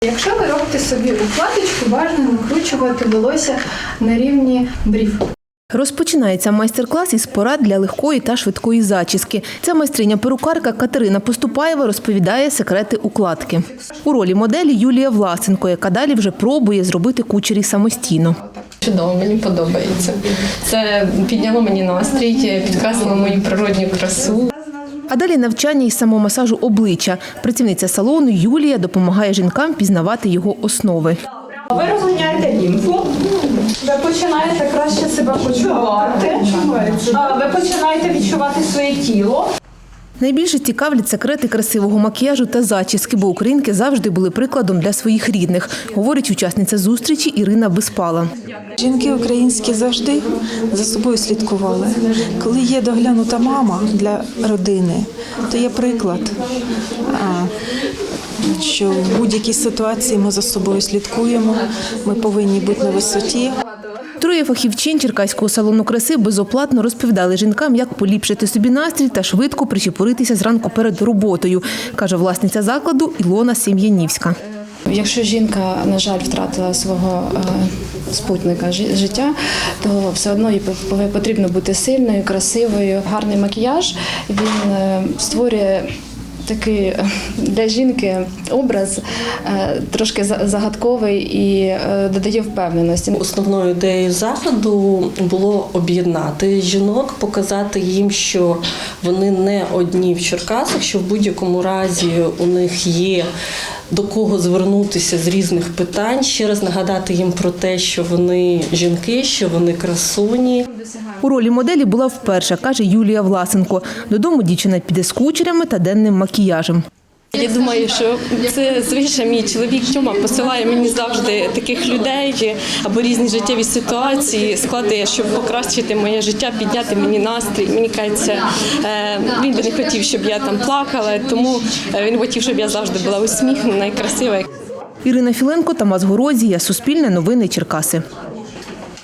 Якщо ви робите собі укладочку, важливо накручувати волосся на рівні брів. Розпочинається майстер-клас із порад для легкої та швидкої зачіски. Ця майстриня-перукарка Катерина Поступаєва розповідає секрети укладки. У ролі моделі Юлія Власенко, яка далі вже пробує зробити кучері самостійно. Чудово, мені подобається. Це підняло мені настрій, підкреслило мою природню красу. А далі навчання із самомасажу обличчя. Працівниця салону Юлія допомагає жінкам пізнавати його основи. Ви розганяєте лімфу, ви починаєте краще себе почувати, ви починаєте відчувати своє тіло. Найбільше цікавлять секрети красивого макіяжу та зачіски, бо українки завжди були прикладом для своїх рідних, говорить учасниця зустрічі Ірина Безпала. Жінки українські завжди за собою слідкували. Коли є доглянута мама для родини, то є приклад, що в будь-якій ситуації ми за собою слідкуємо, ми повинні бути на висоті. Троє фахівчин черкаського салону краси безоплатно розповідали жінкам, як поліпшити собі настрій та швидко причепуритися зранку перед роботою, каже власниця закладу Ілона Сем'янівська. Якщо жінка, на жаль, втратила свого спутника життя, то все одно їй потрібно бути сильною, красивою. Гарний макіяж, він створює такий для жінки образ трошки загадковий і додає впевненості. Основною ідеєю заходу було об'єднати жінок, показати їм, що вони не одні в Черкасах, що в будь-якому разі у них є до кого звернутися з різних питань, ще раз нагадати їм про те, що вони жінки, що вони красуні. У ролі моделі була вперше, каже Юлія Власенко. Додому дівчина піде з кучерями та денним макіяжем. Я думаю, що це звичайно мій чоловік Тьома посилає мені завжди таких людей або різні життєві ситуації, складає, щоб покращити моє життя, підняти мені настрій. Мені кажеться, він би не хотів, щоб я там плакала, тому він хотів, щоб я завжди була усміхнена і красива. Ірина Філенко, Тамас Горозія, Суспільне новини Черкаси.